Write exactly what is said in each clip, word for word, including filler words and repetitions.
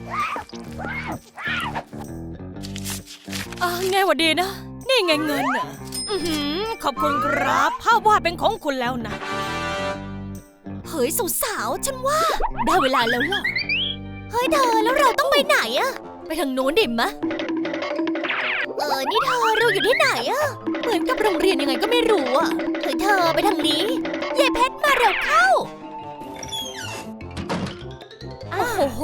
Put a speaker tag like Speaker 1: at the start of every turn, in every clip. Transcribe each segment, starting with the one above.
Speaker 1: อ่าไงวะดีนะนี่ไงเงินอ่ะอือหือขอบคุณครับภาพวาดเป็นของคุณแล้วนะเฮ้ยสาวๆฉันว่าได้เวลาแล้วล่ะเฮ้ยเธอแล้วเราต้องไปไหนอะไปทางโน้นดิมะเออนี่เธอเราอยู่ที่ไหนอะเหมือนกับโรงเรียนยังไงก็ไม่รู้อะเฮ้ยเธอไปทางนี้ยายเพชรมาเร็วเข้าโอ้โห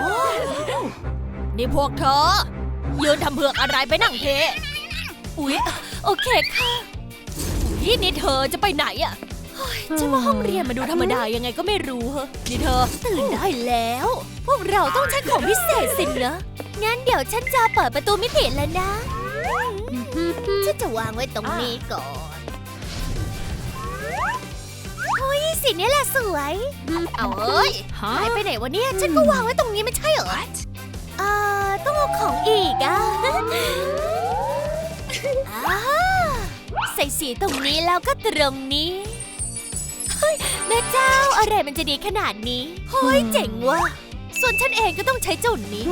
Speaker 1: นี่พวกเธอยืนทำเผือกอะไรไปนั่งเทอุ๊ยโอเคค่ะอุ๊ยนี่เธอจะไปไหนอะฉันว่าห้องเรียนมาดูธรรมดายังไงก็ไม่รู้เหรอนี่เธอตื่นได้แล้วพวกเราต้องใช้ของพิเศษสินะงั้นเดี๋ยวฉันจะเปิดประตูมิติแล้วนะฉันจะวางไว้ตรงนี้ก่อนเฮ้ยสีนี้แหละสวยเอาเอ้ยหายไปไหนวะเนี่ยฉันก็วางไว้ตรงนี้ไม่ใช่เหรอเอ่อต้องเอาของอีกอ่ะอ่าใส่สีตรงนี้แล้วก็ตรงนี้แม่เจ้าอะไรมันจะดีขนาดนี้เฮ้ยเจ๋งว่ะส่วนฉันเองก็ต้องใช้เจ้านี้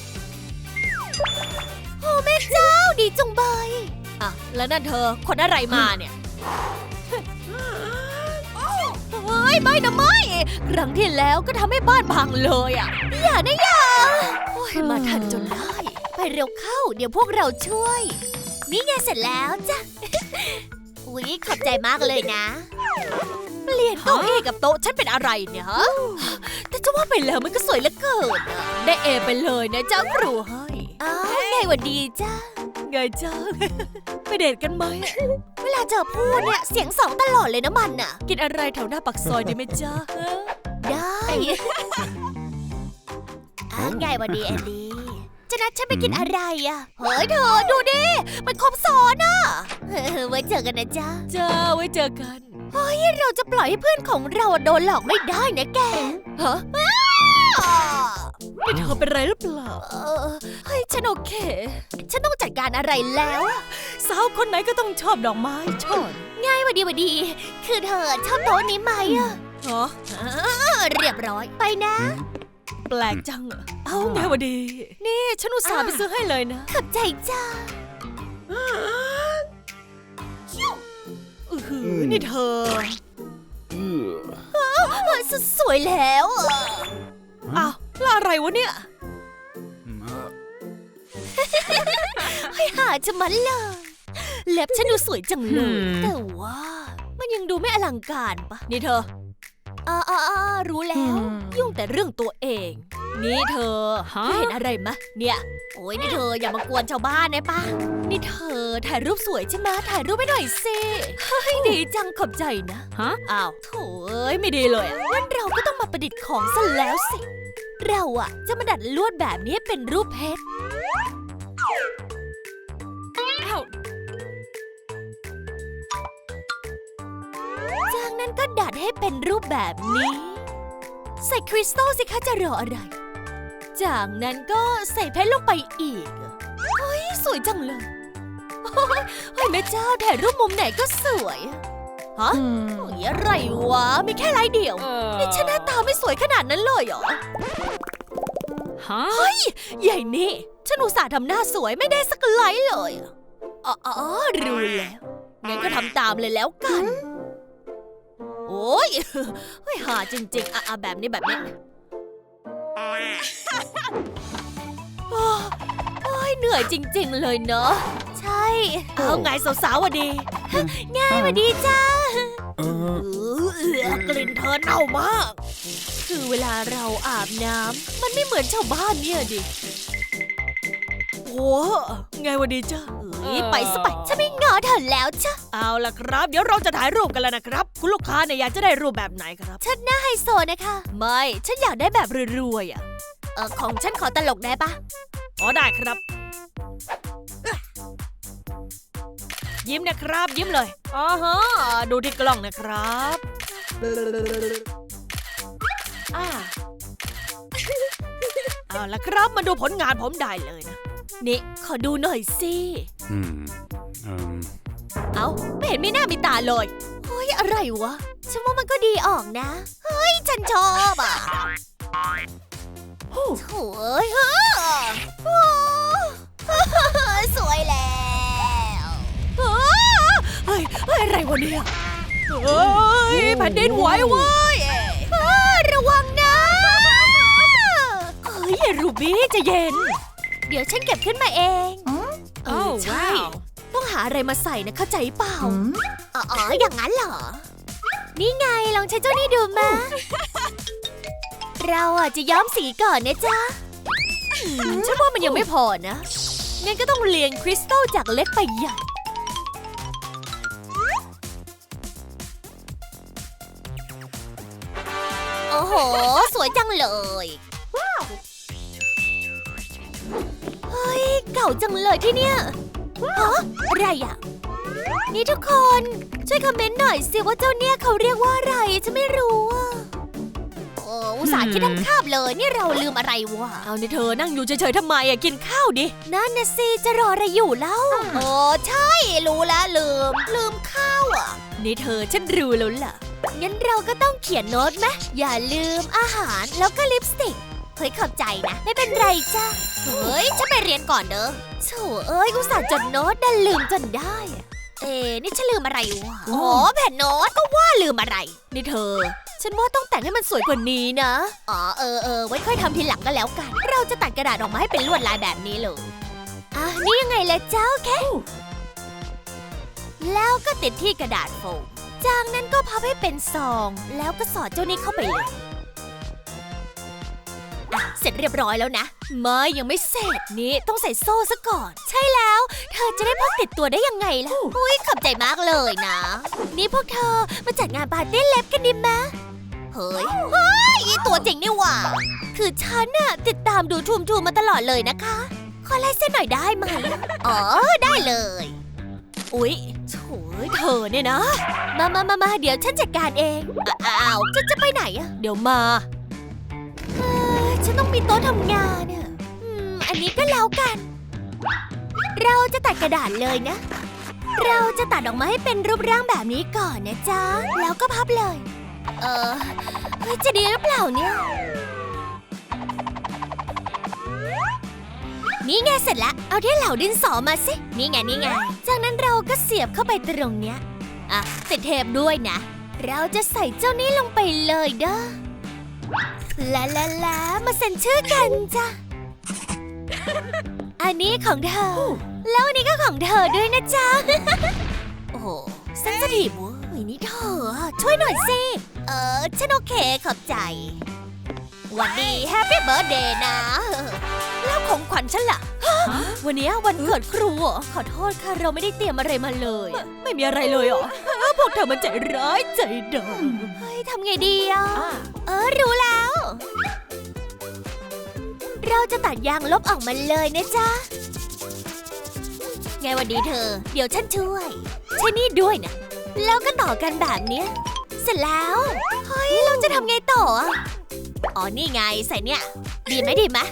Speaker 1: โอ้แม่เจ้าดีจังใบอ่ะแล้วนั่นเธอคนอะไรมาเนี่ยเฮ้ยไม่นะไม่ครั้งที่แล้วก็ทำให้บ้านพังเลยอ่ะอย่านะอย่าโอ้ยมาทันจนได้ไปเร็วเข้าเดี๋ยวพวกเราช่วยนี่ไงเสร็จแล้วจ้ะอุ๊ยขอบใจมากเลยนะเปลี่ยนเก้าอี้กับโต๊ะฉันเป็นอะไรเนี่ยฮะแต่จะว่าไปแล้วมันก็สวยเหลือเกินได้เอไปเลยนะเจ้าครูให้อ้าวไงวันดีจ้าไงจ้าไปเดทกันไหมเวลาเจอพูดเนี่ยเสียงสองตลอดเลยนะมันน่ะกินอะไรแถวหน้าปากซอยดีไหมจ้าได้อ้าวไงวันดีแอนดี้จะนัดฉันไปกินอะไรอ่ะเฮ้ยเธอดูดิมันครบซ้อนอ่ะไว้เจอกันนะจ้าจ้าไว้เจอกันเฮ้ยเราจะปล่อยให้เพื่อนของเราโดนหลอกไม่ได้นะแกฮะนี่เธอเป็นไรหรือเปล่าเออเฮ้ยฉันโอเคฉันต้องจัดการอะไรแล้วสาวคนไหนก็ต้องชอบดอกไม้ช่อง่ายวันดีวันดีคือเธอชอบโต๊ะนี้ไหมอะฮะเรียบร้อยไปนะแปลกจังอะเอ้าไงวะดีนี่ฉันอุตส่าห์ไปซื้อให้เลยนะขอบใจจ้าอือหือนี่เธอสสวยแล้วอ้าวแล้วอะไรวะเนี่ยให้หาจะมันเลยเล็บฉันดูสวยจังเลยแต่ว่ามันยังดูไม่อลังการปะนี่เธออ่าอ่ารู้แล้วยุ่งแต่เรื่องตัวเองนี่เธอเห็นอะไรมะเนี่ยโอ้ยนี่เธออย่ามากวนชาวบ้านนะป้านี่เธอถ่ายรูปสวยใช่ไหมถ่ายรูปให้หน่อยสิเฮ้ยดีจังขอบใจนะฮะอ้าวโถ่เอ้ยไม่ดีเลยงั้นเราก็ต้องมาประดิษฐ์ของซะแล้วสิเราอะจะมาดัดลวดแบบนี้เป็นรูปเพชรอ้าวจากนั้นก็ดัดให้เป็นรูปแบบนี้ใส่คริสตัลสิคะจะรออะไรจากนั้นก็ใส่เพชรลงไปอีกเฮ้ยสวยจังเลยเฮ้ยแม่เจ้าถ่ายรูปมุมไหนก็สวยฮะโอ้ยอะไรวะมีแค่ลายเดียวนี่ฉันหน้าตาไม่สวยขนาดนั้นเลยเหรอฮะเฮ้ยใหญ่นี่ฉันอุตส่าห์ทำหน้าสวยไม่ได้สักไลท์เลยอ๋ออ๋อรู้แล้วงั้นก็ทำตามเลยแล้วกันโอ้ยเฮ้ยหาจริงๆอ่ะแบบนี้แบบนี้โอ้ยเหนื่อยจริงๆเลยเนอะใช่เอาไงสาวๆวะดีง่ายวะดีจ้าเออกลิ่นเธอเน่ามากคือเวลาเราอาบน้ำมันไม่เหมือนชาวบ้านเนี่ยดิโอ้ไงวะดีจ้าไปสไปฉันไม่งอเธอแล้วจ้ะเอาล่ะครับเดี๋ยวเราจะถ่ายรูปกันแล้วนะครับคุณลูกค้าเนี่ยอยากจะได้รูปแบบไหนครับฉันหน้าไฮโซนะคะไม่ฉันอยากได้แบบรวยๆอ่ะเออของฉันขอตลกได้ปะอ๋อได้ครับยิ้มนะครับยิ้มเลยอ๋อฮะดูที่กล้องนะครับอ่าเอาล่ะครับมาดูผลงานผมได้เลยนะนี่ขอดูหน่อยสิอืมอืมเอ้าไม่เห็นมีหน้ามีตาเลยเฮ้ยอะไรวะฉันว่ามันก็ดีออกนะเฮ้ยฉันชอบอ่ะโถ่เอ้ยโอ้สวยแล้วเฮ้ยเฮ้ยอะไรวะเนี่ยเฮ้ยแผ่นดินไหวเว้ยระวังนะเฮ้ยรูบี้ใจเย็นเดี๋ยวฉันเก็บขึ้นมาเองเออใช่ต้องหาอะไรมาใส่นะเข้าใจเปล่าอ๋ออย่างนั้นเหรอนี่ไงลองใช้เจ้านี่ดูมาเราอ่ะจะย้อมสีก่อนนะจ๊ะฉันว่ามันยังไม่พอนะงั้นก็ต้องเรียงคริสตัลจากเล็กไปใหญ่โอ้โหสวยจังเลยเฮ้ยเก่าจังเลยที่เนี่ยฮะอะไรอ่ะนี่ทุกคนช่วยคอมเมนต์หน่อยสิว่าเจ้าเนี่ยเขาเรียกว่าอะไรฉันไม่รู้อ่ะโอ้อุตส่าห์คิดทั้งคาบเลยนี่เราลืมอะไรวะเอาเนี่ยเธอนั่งอยู่เฉยๆทำไมอ่ะกินข้าวดินั่นน่ะสิจะรออะไรอยู่เล่าโอ้ใช่รู้แล้วลืมลืมข้าวอ่ะนี่เธอฉันรู้แล้วล่ะงั้นเราก็ต้องเขียนโน้ตไหมอย่าลืมอาหารแล้วก็ลิปสติกเฮ้ยขอบใจนะไม่เป็นไรจ้ะเฮ้ยฉันไปเรียนก่อนเด้อโถ่เอ้ยอุตส่าห์จดโน้ตดันลืมจนได้เอ๊นี่ฉันลืมอะไรวะอ๋อแผ่นโน้ตก็ว่าลืมอะไรนี่เธอฉันว่าต้องแต่งให้มันสวยกว่านี้นะอ๋อเออเออไว้ค่อยทำทีหลังก็แล้วกันเราจะตัดกระดาษออกมาให้เป็นลวดลายแบบนี้เลยอ่ะนี่ยังไงล่ะเจ้าแค่แล้วก็ติดที่กระดาษโฟมจากนั้นก็พับให้เป็นซองแล้วก็สอดเจ้านี้เข้าไปเลยอ่ะเสร็จเรียบร้อยแล้วนะไม่ยังไม่เสร็จนี่ต้องใส่โซ่ซะก่อนใช่แล้วเธอจะได้พกติดตัวได้ยังไงล่ะอุ้ยขอบใจมากเลยนะนี่พวกเธอมาจัดงานปาร์ตี้เล็บกันดิมะเฮ้ยเฮ้ยตัวจริงนี่หว่าคือฉันน่ะติดตามดูทูมทูมมาตลอดเลยนะคะขอไลน์เส้นหน่อยได้ไหมอ๋อได้เลยอุ๊ยโถ่เธอเนี่ยนะมามามามาเดี๋ยวฉันจัดการเองอ้าวจะจะไปไหนอะเดี๋ยวมาฉันต้องมีโต๊ะทำงานอ่ะอืมอันนี้ก็แล้วกันเราจะตัดกระดาษเลยนะเราจะตัดออกมาให้เป็นรูปร่างแบบนี้ก่อนนะจ๊ะแล้วก็พับเลยเออเฮ้ยจะดีหรือเปล่าเนี่ยนี่ไงเสร็จแล้วเอาที่เหล่าดินสอมาสินี่ไงนี่ไงจากนั้นเราก็เสียบเข้าไปตรงเนี้ยอ่ะติดเทปด้วยนะเราจะใส่เจ้านี้ลงไปเลยเด้อลาลาลามาเซ็นชื่อกันจ้ะอันนี้ของเธอแล้วอันนี้ก็ของเธอด้วยนะจ๊ะโอ้โหเซนซิทีฟเว้ยนี่เธอช่วยหน่อยสิเออฉันโอเคขอบใจวันดีแฮปปี้เบิร์ธเดย์นะแล้วของขวัญฉันล่ะวันนี้วันเกิดครูเหรอขอโทษค่ะเราไม่ได้เตรียมอะไรมาเลยไม่มีอะไรเลยเหรอพวกเธอมันใจร้ายใจดำเฮ้ยทำไงดีอ่ะเออรู้แล้วเราจะตัดยางลบออกมาเลยนะจ๊ะไงวันดีเธอเดี๋ยวฉันช่วยใช่นี่ด้วยนะแล้วก็ต่อกันแบบนี้เสร็จแล้วเฮ้ยเราจะทำไงต่ออ๋อนี่ไงใส่เนี่ยดีไหมดีไหม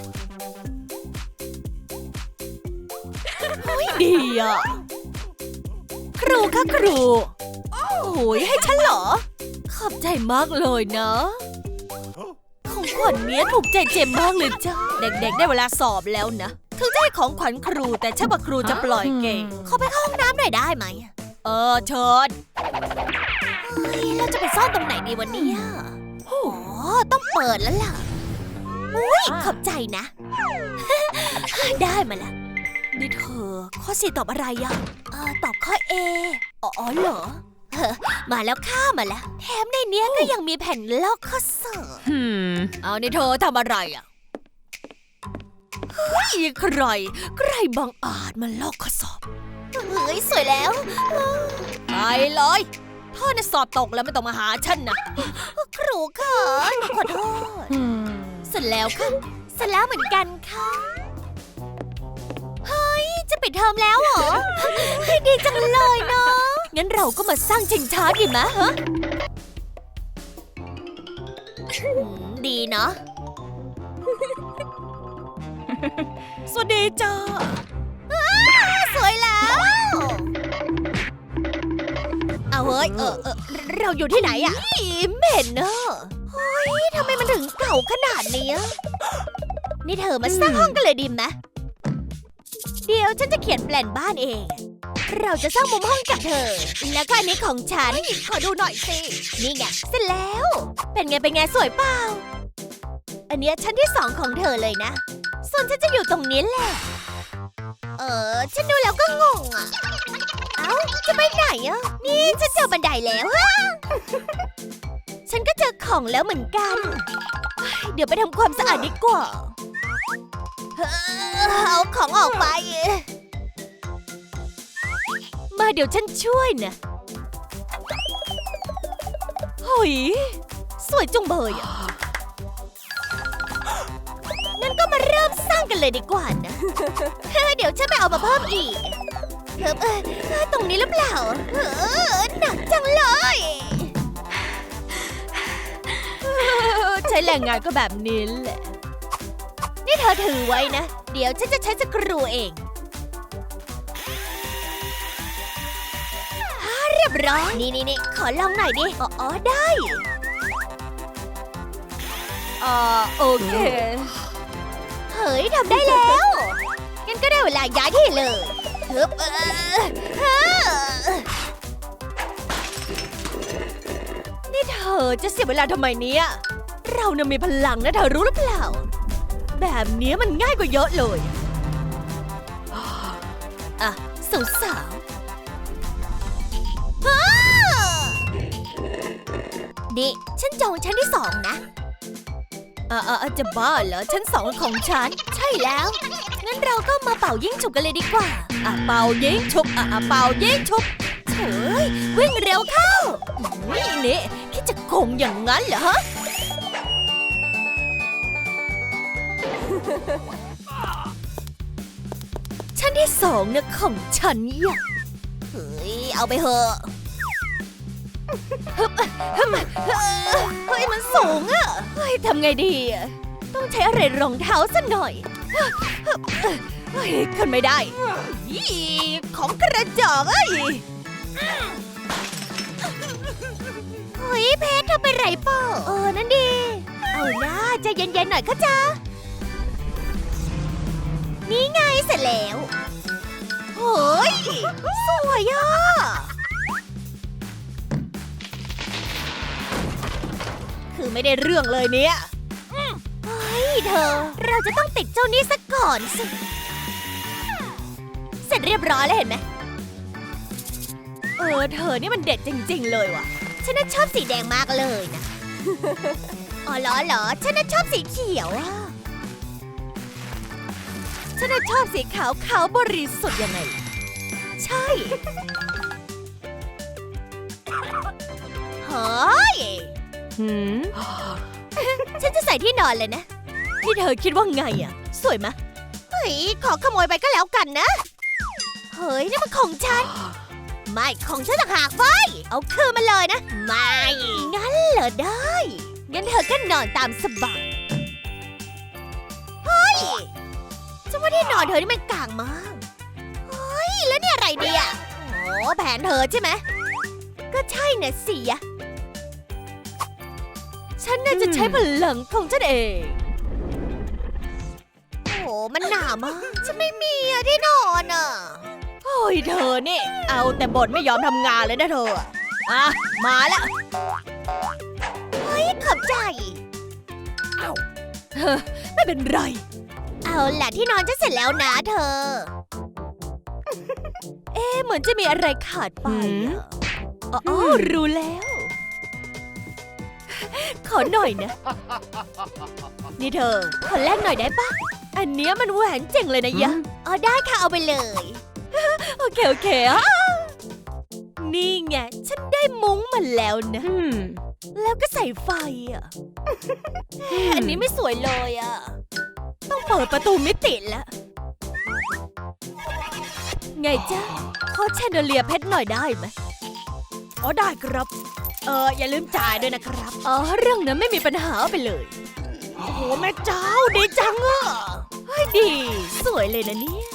Speaker 1: เฮ้ยดีอ่ะครูค่ะครูโอ้ยให้ฉันเหรอขอบใจมากเลยนะของขวัญเนี้ยถูกใจเจมมากเลยจ้ะเด็กๆได้เวลาสอบแล้วนะถึงจะให้ของขวัญครูแต่ช่างว่าครูจะปล่อยเก่งขอไปเข้าห้องน้ำหน่อยได้ไหมเออเชิญเฮ้ยเราจะไปซ่อนตรงไหนดีวันนี้อ๋อต้องเปิดแล้วล่ะอุ้ยขอบใจนะ ได้มาละนี่เธอข้อสี่ตอบอะไรอ่ะเออตอบข้อ A อ๋อเหรอมาแล้วข้ามาแล้วแถมในเนี้ยก็ยังมีแผ่นลอกข้อสอบเอานี่เธอทำอะไรอ่ะเฮ้ยใครใครบังอาจมาลอกข้อสอบเฮ้ยสวยแล้วไปเลยพ่อเนี่ยสอบตกแล้วไม่ต้องมาหาฉันนะครูค่ะขอโทษเสร็จแล้วค่ะเสร็จแล้วเหมือนกันค่ะเฮ้ยจะปิดเทอมแล้วเหรอดีจังเลยเนาะงั้นเราก็มาสร้างชิงช้าดีไหมฮะดีเนาะสวัสดีจ้าสวยแล้วเอาเฮ้ยเออเออเราอยู่ที่ไหนอะเหม็นเนอะเฮ้ยทำไมมันถึงเก่าขนาดนี้นี่เธอมาสร้างห้องกันเลยดีไหมเดี๋ยวฉันจะเขียนแปลนบ้านเอง เราจะสร้างมุมห้องกับเธอ แล้วก็อันนี้ของฉัน ขอดูหน่อยสิ นี่ไงเสร็จแล้ว เป็นไงเป็นไงสวยเปล่า อันเนี้ยชั้นที่สองของเธอเลยนะ ส่วนฉันจะอยู่ตรงนี้แหละ เออฉันดูแล้วก็งงอ่ะ เอ้าจะไปไหนอ่ะ นี่ฉันเจอบันไดแล้วฮะ ฉันก็เจอของแล้วเหมือนกัน เดี๋ยวไปทำความสะอาดดีกว่าเอาของออกไป มาเดี๋ยวฉันช่วยนะเฮ้ยสวยจุงเบยอ่ะงั้นก็มาเริ่มสร้างกันเลยดีกว่านะ เดี๋ยวฉันไปเอามาเพิ่มอีกเพิ่มเออตรงนี้หรือเปล่าเออหนักจังเลยใช้แรงงานก็แบบนี้แหละนี่เธอถือไว้นะเดี๋ยวฉันจะใช้สกรูเองเรียบร้อยนี่นี่นี่ขอลองหน่อยดิอ๋ออ๋อได้อ่าโอเคเฮ้ยทำได้แล้วงั้นก็ได้เวลาย้ายที่เลยฮึบเออเออนี่เธอจะเสียเวลาทำไมเนี่ยเราเนี่ยมีพลังนะเธอรู้หรือเปล่าแบบนี้มันง่ายกว่าเยอะเลยอ่ะสาวสาวนี่ฉันจองชั้นที่สองนะอ่าอ่าจะบ้าเหรอชั้นสองของฉันใช่แล้วงั้นเราก็มาเป่ายิงฉุบกันเลยดีกว่าอ่ะเป่ายิงฉุบอ่ะเป่ายิงฉุบเฮ้ยวิ่งเร็วเข้านี่นี่คิดจะโกงอย่างนั้นเหรอฮะชั้นที่สองเนี่ยของฉันอ่ะเฮ้ยเอาไปเถอะเฮ้ยมันสูงอะเฮ้ยทำไงดีอะต้องใช้อะไรรองเท้าสักหน่อยเฮ้ยขึ้นไม่ได้ยี่ของกระจอกเอ้ยเฮ้ยเพชรทำไปไรเปล่าเออนั่นดีเอาหน้าใจเย็นๆหน่อยก็จ้านี่ไงเสร็จแล้วเฮ้ยสวยอ่ะคือไม่ได้เรื่องเลยเนี่ยเฮ้ยเธอเราจะต้องติดเจ้านี่ซะก่อนสิเสร็จเรียบร้อยแล้วเห็นไหมเออเธอนี่มันเด็ดจริงๆเลยว่ะฉันน่ะชอบสีแดงมากเลยนะ อ๋อเหรอเหรอฉันน่ะชอบสีเขียวอ่ะฉันน่ะชอบสีขาวขาวบริสุทธิ์ยังไงใช่เฮ้ยหืมฉันจะใส่ที่นอนเลยนะที่เธอคิดว่าไงอ่ะสวยไหมเฮ้ยขอขโมยไปก็แล้วกันนะเฮ้ยนี่มันของฉันไม่ของฉันต่างหากไว้เอาคืนมาเลยนะไม่งั้นเหรอได้งั้นเธอก็นอนตามสบายเฮ้ยฉันว่าที่นอนเธอนี่มันกลางมากเฮ้ยแล้วนี่อะไรดีอ่ะโอ้แผนเธอใช่ไหมก็ใช่น่ะสิอะฉันน่าจะใช้พลังของฉันเองโอ้มันหนามากฉันไม่มีอะที่นอนอะโอ้ยเธอนี่เอาแต่บ่นไม่ยอมทำงานเลยนะเธออ่ะมาแล้วเฮ้ยขอบใจเอ้าเธอไม่เป็นไรเอาล่ะที่นอนจะเสร็จแล้วนะเธอเอ๊ะเหมือนจะมีอะไรขาดไปอะอ๋อรู้แล้วขอหน่อยนะนี่เธอขอแลกหน่อยได้ปะอันเนี้ยมันแหวนเจ๋งเลยนะยะอ๋อได้ค่ะเอาไปเลยโอเคโอเคอ่ะนี่ไงฉันได้มุ้งมาแล้วนะแล้วก็ใส่ไฟอ่ะอันนี้ไม่สวยเลยอ่ะต้องเปิดประตูมิติแล้วไงจ๊ะขอแชนเดเลียเพชรหน่อยได้ไหมอ๋อได้ครับเอออย่าลืมจ่ายด้วยนะครับอ๋อเรื่องนั้นไม่มีปัญหาไปเลยโอ้โหแม่เจ้าดีจังอ่ะเฮ้ยดีสวยเลยนะเนี่ย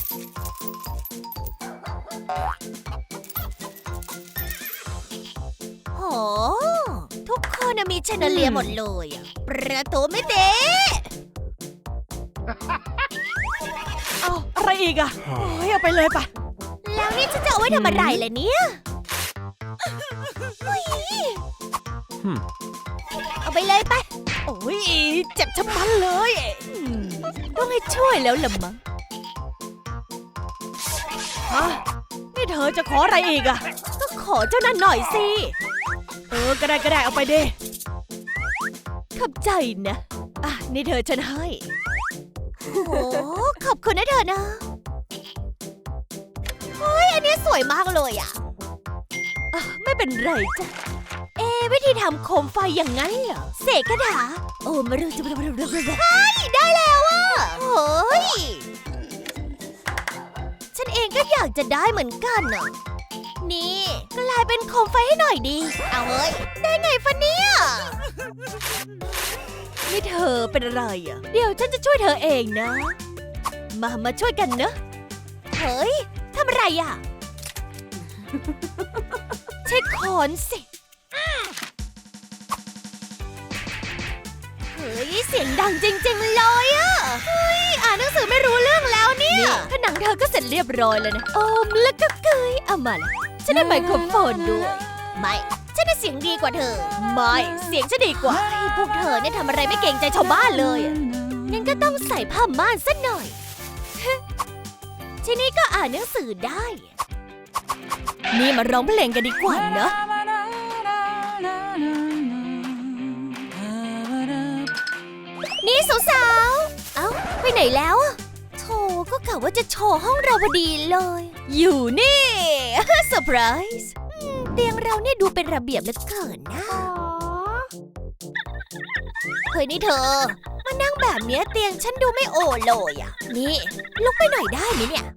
Speaker 1: โหทุกคนมีแชนเดเลียหมดเลยอ่ะประตูไม่เตะ
Speaker 2: เอาอะไรอีกอะโอ้ยเอาไปเลยปะ
Speaker 1: แล้วนี่ฉันจะเอาไว้ทำอะไรล่ะเนี่ยอุ๊ยเอาไปเลยไป
Speaker 2: โอ้ยเจ็บชะมัดเลยอืม
Speaker 1: ต้องให้ช่วยแล้วล่ะมั้ง
Speaker 2: ฮะนี่เธอจะขออะไรอีกอะ
Speaker 1: ก็ขอเจ้านั่นหน่อยสิ
Speaker 2: เออก็ได้ก็ได้เอาไปดิ
Speaker 1: ขอบใจนะ
Speaker 2: อ่ะนี่เธอฉันให้
Speaker 1: โอ้โหขอบคุณนะเธอนะเฮ้ยอันนี้สวยมากเลยอ่ะ
Speaker 2: อ่ะไม่เป็นไรจ้ะ
Speaker 1: เอ๊ะวิธีทำโคมไฟอย่างนั้นเหรอเสกคาถาโอ้มาเร็วจะมาเร็วเร็วเร็วเฮ้ยได้แล้วอ่ะเฮ้ยฉันเองก็อยากจะได้เหมือนกันน่ะนี่กลายเป็นโคมไฟให้หน่อยดีเอาเฮ้ยได้ไงฟะเนี่ย
Speaker 2: นี่เธอเป็นอะไรอะ
Speaker 1: เดี๋ยวฉันจะช่วยเธอเองนะ มามาช่วยกันเนอะเฮ้ยทำอะไรอ่ะ ใช้ขอนสิเฮ้ยเสียงดังจริงๆเลยอะเฮ้ยอ่านหนังสือไม่รู้เรื่องแล้วเนี่ยผนังเธอก็เสร็จเรียบร้อยแล้วนะโอมแล้วก็เกยเอามาละฉันได้ไมโครโฟนด้วยไม่ฉันได้เสียงดีกว่าเธอ
Speaker 2: ไม่เสียงฉันดีกว่า
Speaker 1: เฮ้ยพวกเธอเนี่ยทำอะไรไม่เกรงใจชาวบ้านเลยอะงั้นก็ต้องใส่ผ้าม่านซะหน่อย ทีนี้ก็อ่านหนังสือได้
Speaker 2: นี่มาร้องเพลงกันดีกว่าเนอะ
Speaker 1: นี่สาวๆ เอ้าไปไหนแล้วอะโธ่ก็กะว่าจะโชว์ห้องเราพอดีเลย
Speaker 2: อยู่นี่
Speaker 1: เซอร์ไพรส์เตียงเราเนี่ยดูเป็นระเบียบเหลือเกินนะเฮ้ยนี่เธอ มานั่งแบบเนี้ยเตียงฉันดูไม่โอเลยอ่ะ นี่ลุกไปหน่อยได้ไหมเนี่ย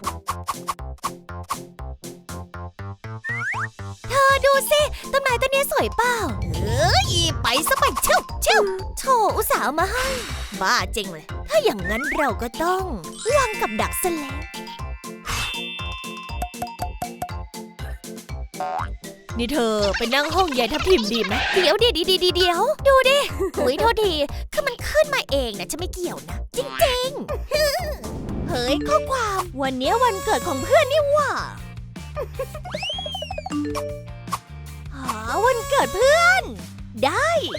Speaker 1: เธอดูสิต้นไม้ต้นนี้สวยเปล่าเอ้ยไปซะไปเชิวเชิวโถอุตส่าห์เอามาให้บ้าจริงเลยถ้าอย่างนั้นเราก็ต้องวางกับดักซะแล้ว
Speaker 2: นี่เธอไปนั่งห้องยายทับทิมดีไหม
Speaker 1: เดี๋ยวเดี๋ยวเดี๋ยวเดี๋ยวดูดิอุ้ยโทษทีคือมันขึ้นมาเองนะฉันไม่เกี่ยวนะ จริงๆ เฮ้ยข้อความวันนี้วันเกิดของเพื่อนนี่หว่าอ๋อวันเกิดเพื่อน ได้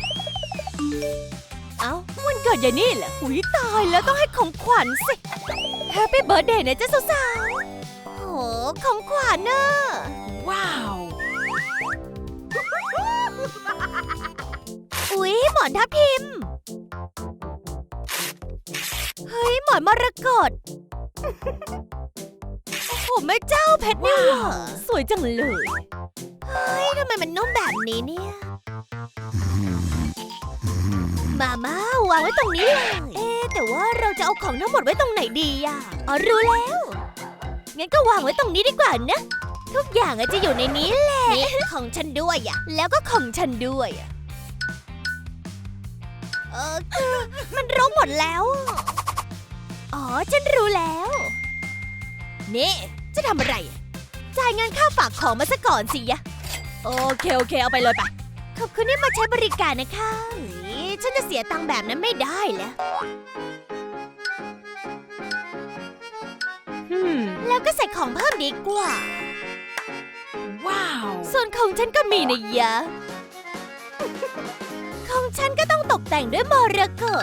Speaker 2: เอ้าวันเกิดยายนี่เหรออุ้ยตายแล้วต้องให้ของขวัญสิ
Speaker 1: แฮปปี้เบิร์ธเดย์นะจ๊ะสาวๆโหของขวัญเนอะ
Speaker 2: ว้าว
Speaker 1: อุ๊ยหมอนทับทิม เฮ้ยหมอนมรกตโอ้โหแม่เจ้าเพชรนี่หว่า
Speaker 2: สวยจังเลย
Speaker 1: เฮ้ยทำไมมันนุ่มแบบนี้เนี่ย มามาวางไว้ตรงนี้เลย เอ๊ะแต่ว่าเราจะเอาของทั้งหมดไว้ตรงไหนดีอ่ะอ๋อรู้แล้ว งั้นก็วางไว้ตรงนี้ดีกว่านะ ทุกอย่างอะจะอยู่ในนี้แหละนี่ของฉันด้วยอ่ะ แล้วก็ของฉันด้วยอ่ะ เออคือมันรกหมดแล้วอะอ๋อฉันรู้แล้ว นี่จะทำอะไรอะจ่ายเงินค่าฝากของมาซะก่อนสิยะ
Speaker 2: โอเคโอเคเอาไปเลยไป
Speaker 1: ขอบคุณที่มาใช้บริการนะคะเฮ้ยฉันจะเสียตังค์แบบนั้นไม่ได้แล้ว
Speaker 2: อืม
Speaker 1: แล้วก็ใส่ของเพิ่มดีกว่า
Speaker 2: ว้าว
Speaker 1: ส่วนของฉันก็มีนะยะ ของฉันก็ต้องตกแต่งด้วยมรกต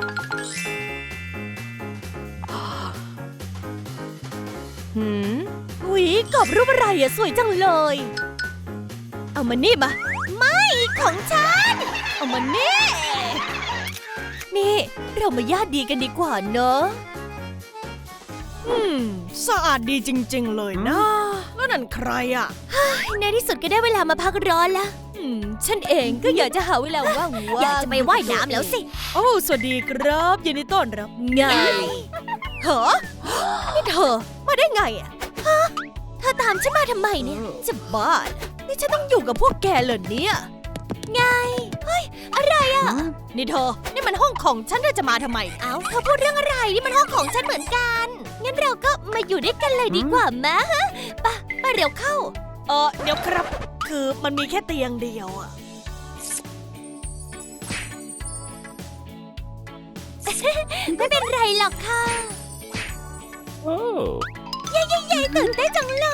Speaker 2: หืมหุยกรอบรูปอะไรอะสวยจังเลย เอามานี่มา
Speaker 1: ไม่ของฉัน
Speaker 2: เอามานี่ นี่เรามาญาติดีกันดีกว่าเนอะอืมสะอาดดีจริงๆเลยนะแล้วนั่นใครอะ
Speaker 1: ในที่สุดก็ได้เวลามาพักร้อนแล้ว
Speaker 2: อืมฉันเองก็อยากจะหาเวลาว่างๆ
Speaker 1: อยากจะไปว่ายน้ำแล้วสิ
Speaker 2: โอ้สวัสดีครับยินดีต้อนรับไงเหรอนี่เธอมาได้ไงอะ
Speaker 1: เธอตามฉันมาทำไมเนี่ย
Speaker 2: จะบ้าเหรอนี่ฉันต้องอยู่กับพวกแกเหรอเนี่ย
Speaker 1: ไง เฮ้ย อะไรอ่ะ
Speaker 2: นี่เธอ นี่มันห้องของฉันเธอจะมาทำไม
Speaker 1: เอ้าเธอพูดเรื่องอะไร นี่มันห้องของฉันเหมือนกัน งั้นเราก็มาอยู่ด้วยกันเลยดีกว่ามะฮะไปะไปเร็วเข้า
Speaker 2: เออเดี๋ยวครับ คือมันมีแค่เตียงเดียวอะ
Speaker 1: เไม่เป็นไรหรอกค่ะ
Speaker 3: Oh.
Speaker 1: เย้เย้เย้ตื่นเต้นจังเลย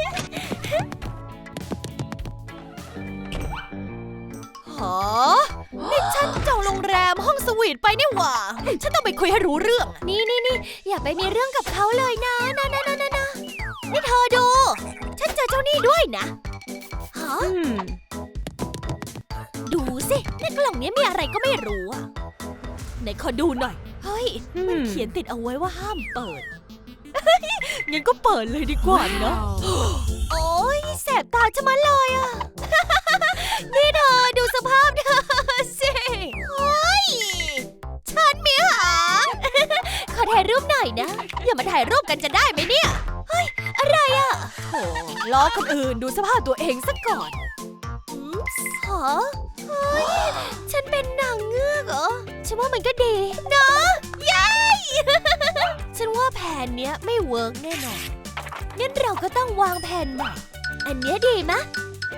Speaker 2: หอนี่ฉันจองโรงแรมห้องสวีทไปนี่หว่า ฉันต้องไปคุยให้รู้เรื่อง
Speaker 1: นี่นี่นี่อย่าไปมีเรื่องกับเขาเลยนะนะนะนะนะนะนี่เธอดู ฉันเจอเจ้านี่ด้วยนะฮะ
Speaker 2: อืม
Speaker 1: ดูสิในกล่องนี้มีอะไรก็ไม่รู้อะ
Speaker 2: ไหนขอดูหน่อย
Speaker 1: เฮ้ย
Speaker 2: มันเขียนติดเอาไว้ว่าห้ามเปิด งั้นก็เปิดเลยดีกว่านะ
Speaker 1: โอ๊ยแสบตาจะมาเลยอะ นี่เธอดูสภาพเธอสิเฮ้ยฉันมีหาง ขอถ่ายรูปหน่อยนะ อย่ามาถ่ายรูปกันจะได้ไหมเนี่ย เฮ้ย อะไรอะ
Speaker 2: โหล้อคนอื่นดูสภาพตัวเองซะก่อน
Speaker 1: หอเฮ้ย ฉันเป็นนางเงือกเหรอ ฉันว่ามันก็ดีนะยัย ฉันว่าแผนเนี้ยไม่เวิร์กแน่นอน งั้นเราก็ต้องวางแผนใหม่ อันเนี้ยดีมะ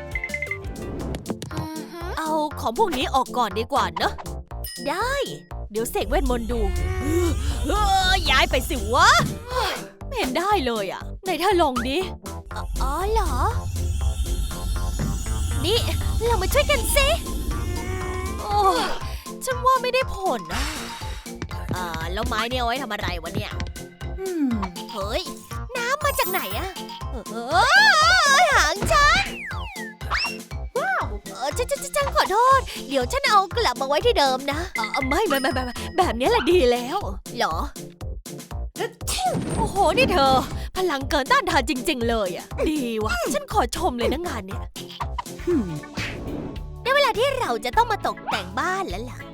Speaker 2: เอาของพวกนี้ออกก่อนดีกว่าเนอะ
Speaker 1: ได้
Speaker 2: เดี๋ยวเสกเวทมนต์ดูเออย้ายไปสิวะเฮ้ยไม่เห็นได้เลยอ่ะไหนเธอลองดิ
Speaker 1: อ๋อเหรอ นี่เรามาช่วยกันสิ
Speaker 2: โอ้ยฉันว่าไม่ได้ผลนะอ่าแล้วไม้เนี่ยเอาไว้ทำอะไรวะเนี่ย
Speaker 1: เฮ้ย น้ำมาจากไหนอะเออหางฉันเออฉันฉันฉันขอโทษ เดี๋ยวฉันเอากลับมาไว้ที่เดิมนะ
Speaker 2: เออไม่ไม่ไม่ไม่ไม่แบบนี้แหละดีแล้ว
Speaker 1: เหรอ
Speaker 2: โอ้โห นี่เธอ พลังเกินต้านทานจริง ๆ เลยอ่ะ ดีว่ะ ฉันขอชมเลยนะงานเนี่ย
Speaker 1: ได้เวลาที่เราจะต้องมาตกแต่งบ้านแล้วล่ะ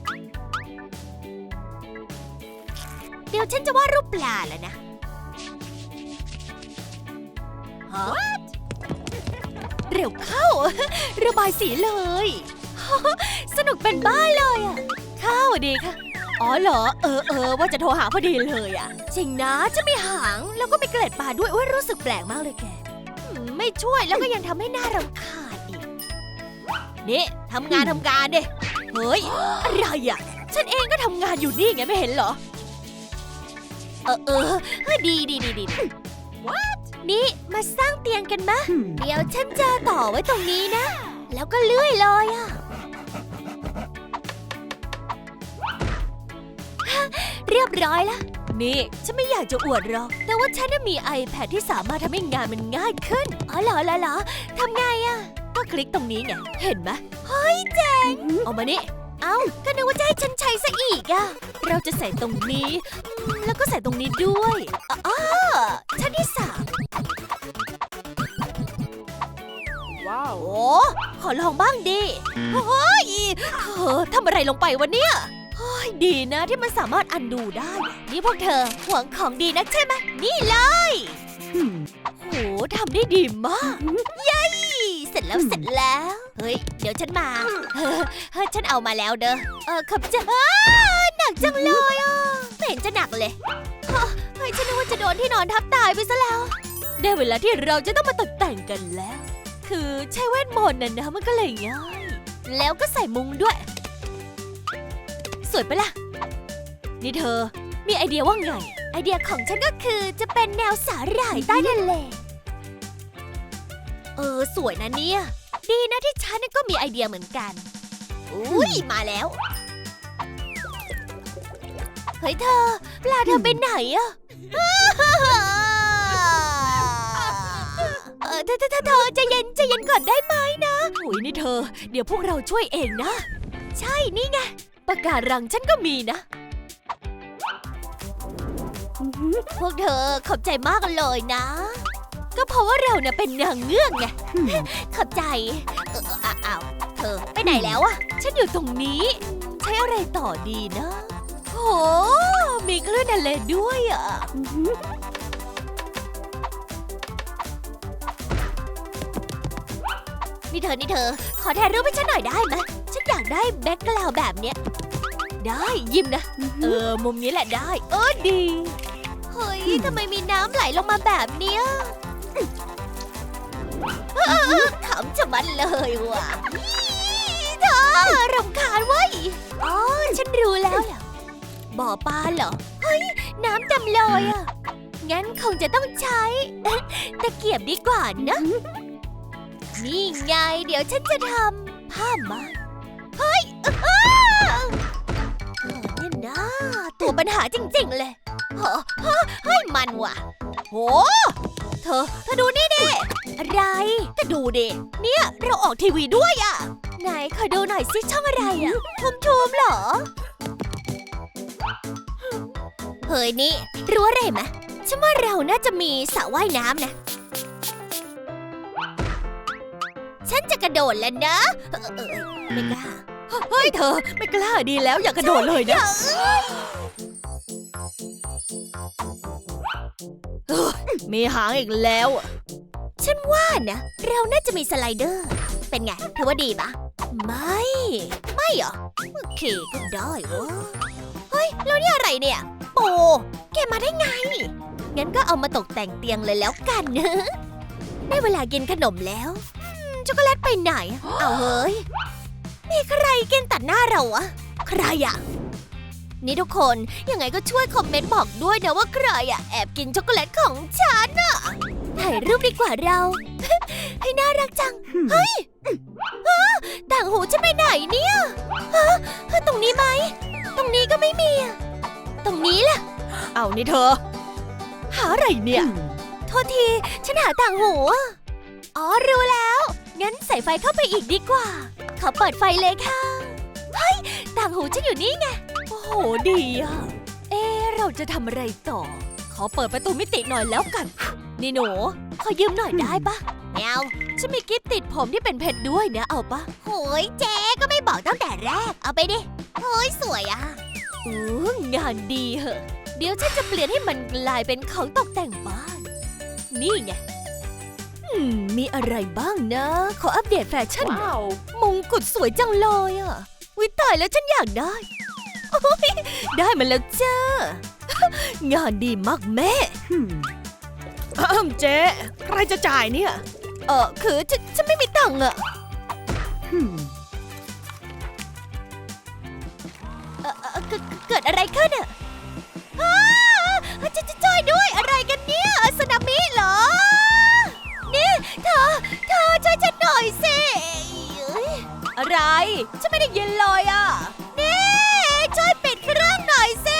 Speaker 1: เดี๋ยวฉันจะวาดรูปปลาแล้วนะ
Speaker 2: ฮะ เร็วเข้า ระบายสีเลย
Speaker 1: สนุกเป็นบ้าเลยอะ
Speaker 2: เข้าดีค่ะ อ๋อเหรอ เออเออว่าจะโทรหาพอดีเลยอ่ะ
Speaker 1: จริงนะจะมีหางแล้วก็มีเกล็ดปลาด้วยโอ้ยรู้สึกแปลกมากเลยแกอืมไม่ช่วยแล้วก็ยังทำให้หน้ารำคาญอีก
Speaker 2: นี่ทำงานทำการดิ เฮ้ย อะไรอ่ะ ฉันเองก็ทำงานอยู่นี่ไงไม่เห็นเหรอ
Speaker 1: เออเออเฮ้ยดีดีดีดี What นี่มาสร้างเตียงกันมะ เดี๋ยวฉันจะต่อไว้ตรงนี้นะ แล้วก็เลื่อยเลยอะฮะเรียบร้อยละ
Speaker 2: นี่ฉันไม่อยากจะอวดหรอก
Speaker 1: แต่ว่าฉันน่ะมี iPad ที่สามารถทำให้งานมันง่ายขึ้น อ๋อเหรอเหรอเหรอทำไงอะ
Speaker 2: ก็คลิกตรงนี้ไง เห็นไหม
Speaker 1: เฮ้ยเจ๋ง
Speaker 2: เอามานี่
Speaker 1: เอ้าก็นึกว่าจะให้ฉันใช้ซะอีกอะ
Speaker 2: เราจะใส่ตรงนี้อืมแล้วก็ใส่ตรงนี้ด้วย
Speaker 1: อ๋อชั้นที่สาม
Speaker 2: ว้าว โอ้ขอลองบ้างดิเฮ้ยเธอทำอะไรลงไปวะเนี่ยเฮ้ยดีนะที่มันสามารถอันดูได้
Speaker 1: นี่พวกเธอหวงของดีนักใช่ไหมนี่เลย
Speaker 2: โหทำได้ดีมาก
Speaker 1: เสร็จแล้วเสร็จแล้ว เฮ้ย เดี๋ยวฉันมาเฮ้ยเฮ้ยฉันเอามาแล้วเด้อ เออขับจะอ้าหนักจังเลยอ่ะไม่เห็นจะหนักเลยเฮ้ยฉันนึกว่าจะโดนที่นอนทับตายไปซะแล้ว
Speaker 2: ได้เวลาที่เราจะต้องมาตกแต่งกันแล้ว คือใช้เวทมนต์น่ะนะมันก็เลยง่าย
Speaker 1: แล้วก็ใส่มุ้งด้วย
Speaker 2: สวยปะล่ะ นี่เธอ มีไอเดียว่าไง
Speaker 1: ไอเดียของฉันก็คือจะเป็นแนวสาหร่ายใต้ทะเล เออสวยนะเนี่ย ดีนะที่ฉันก็มีไอเดียเหมือนกัน อุ้ยมาแล้ว เฮ้ยเธอปลาเธอไปไหนอะเออเธอเธอเธอเธอใจเย็นใจเย็นก่อนได้ไหมนะ
Speaker 2: โอ้ยนี่เธอ เดี๋ยวพวกเราช่วยเองนะ
Speaker 1: ใช่นี่ไง
Speaker 2: ปากการังฉันก็มีนะ
Speaker 1: พวกเธอขอบใจมากเลยนะ
Speaker 2: ก็เพราะว่าเราเนี่ยเป็นนางเงือกไง
Speaker 1: ขอบใจ เออเอออ้าวเธอไปไหนแล้วอะ
Speaker 2: ฉันอยู่ตรงนี้ ใช้อะไรต่อดีนะโหมีคลื่นทะเลด้วยอ่ะ
Speaker 1: นี่เธอนี่เธอ ขอถ่ายรูปให้ฉันหน่อยได้ไหมฉันอยากได้แบ็คกราวด์แบบเนี้ย
Speaker 2: ได้ยิ้มนะ เออ มุมนี้แหละได้ เออดี
Speaker 1: เฮ้ยทำไมมีน้ำไหลลงมาแบบเนี้ยเออขำจะมันเลยว่ะเธอรำคาญเว้ยอ๋อฉันรู้แล้วล่ะบ่อปลาเหรอ เฮ้ย น้ำดำเลยอ่ะ งั้นคงจะต้องใช้ ตะเกียบดีกว่านะ นี่ไง เดี๋ยวฉันจะทำผ้ามาเฮ้ยอ้าวเนี่ยนะตัวปัญหาจริงๆเลยเฮ้อเฮ้ยมันว่ะโหเธอเธอดูนี่ดิอะไรก็ดูดิเนี่ยเราออกทีวีด้วยอ่ะไหนขอดูหน่อยสิช่องอะไรอ่ะทุมทุมๆเหรอเฮ้ยนี่รู้อะไรไหมฉันว่าเราน่าจะมีสระว่ายน้ำนะฉันจะกระโดดแล้วนะเออเออไม่กล้า
Speaker 2: เฮ้ยเธอไม่กล้าดีแล้วอย่ากระโดดเลยนะเฮ้ยมีหางอีกแล้วอะ
Speaker 1: ฉันว่านะเราน่าจะมีสไลเดอร์ เป็นไงเธอว่าดีปะไม่ ไม่เหรอโอเคก็ได้วะเฮ้ยแล้วนี่อะไรเนี่ยโปแกมาได้ไง งั้นก็เอามาตกแต่งเตียงเลยแล้วกันนะได้เวลากินขนมแล้วอืมช็อกโกแลตไปไหน เอาเฮ้ยมีใครกินตัดหน้าเราอะใครอะนี่ทุกคนยังไงก็ช่วยคอมเมนต์บอกด้วยนะว่าใครอะแอบกินช็อกโกแลตของฉันอะถ่ายรูปดีกว่าเรา ให้น่ารักจัง เฮ้ยฮะต่างหูฉันไปไหนเนี่ยฮะฮะตรงนี้ไหม ตรงนี้ก็ไม่มีอะตรงนี้ล่ะ
Speaker 2: เอานี่เธอ หาอะไรเนี่ย
Speaker 1: โทษที ฉันหาต่างหูอะอ๋อ รู้แล้ว งั้นใส่ไฟเข้าไปอีกดีกว่า ขอเปิดไฟเลยค่ะ เฮ้ย ต่างหูฉันอยู่นี่ไง
Speaker 2: โอ้โหดีอะเอ๊ะเราจะทำอะไรต่อ ขอเปิดประตูมิติหน่อยแล้วกัน นี่หนู
Speaker 1: ขอยืมหน่อยได้ปะไม่เอา
Speaker 2: ฉันมีกิฟต์ติดผมที่เป็นเพชรด้วยนะเอาปะ
Speaker 1: โหยเจ๊ก็ไม่บอกตั้งแต่แรก เอาไปดิโหยสวยอะ
Speaker 2: อู้งานดีเหอะ เดี๋ยวฉันจะเปลี่ยนให้มันกลายเป็นของตกแต่งบ้าน นี่ไง อืม มีอะไรบ้างนะ ขออัปเดตแฟชั่นหน่อย
Speaker 3: Wow.
Speaker 2: มงกุฎสวยจังเลยอ่ะวิตายแล้วฉันอยากได้ โอ้ยได้มาแล้วจ้า งานดีมากแม่
Speaker 3: Hmm.
Speaker 2: อ้าวเจ๊ใครจะจ่ายเนี่ย เออคือฉันฉันไม่มีตังค์อะ
Speaker 3: Hmm.
Speaker 1: เอ่อเอ่อเกิดเกิดอะไรขึ้นอะอ้าจะจะช่วยด้วยอะไรกันเนี่ยสึนามิเหรอ นี่เธอเธอช่วยฉันหน่อยสิเอ้ย
Speaker 2: อะไร ฉันไม่ได้ยินเลยอ่ะ
Speaker 1: นี่ช่วยปิดเครื่องหน่อยสิ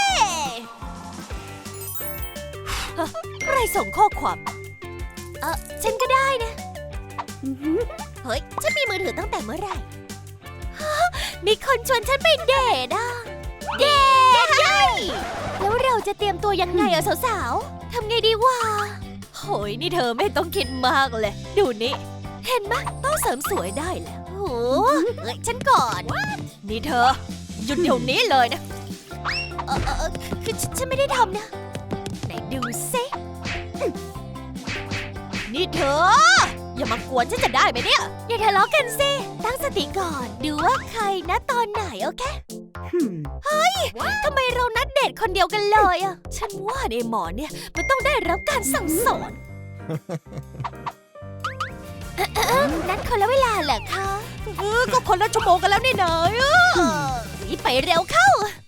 Speaker 2: ใครส่งข้อความ
Speaker 1: เออฉันก็ได้นะ เฮ้ย ฉันมีมือถือตั้งแต่เมื่อไหร่ฮะมีคนชวนฉันไปเดทอ่ะ เดทใช่แล้วเราจะเตรียมตัวยังไงอะสาวๆ ทำไงดีวะ
Speaker 2: โหยนี่เธอไม่ต้องคิดมากเลย ดูนี่ เห็นไหมต้องเสริมสวยได้แล้ว
Speaker 1: โอ้โหเอ้ยฉันก่อน
Speaker 2: นี่เธอ หยุดเดี๋ยวนี้เลยนะ
Speaker 1: เออเออเออคือฉันฉันไม่ได้ทำนะ ไหนดูซิ
Speaker 2: นี่เธอ อย่ามากวนฉันจะได้ไหมเนี่ย
Speaker 1: อย่าทะเลาะกันสิ ตั้งสติก่อน ดูว่าใครนะตอนไหนโอเค
Speaker 3: Hmm.
Speaker 1: ทำไมเรานัดเดทคนเดียวกันเลยอะ
Speaker 2: ฉันว่าในหมอเนี่ยมันต้องได้รับการสั่งสอน
Speaker 1: นัดคนละเวลาเหรอคะ
Speaker 2: เออก็คนละชั่วโมงกันแล้วนี่เนย
Speaker 1: เออไปเร็วเข้า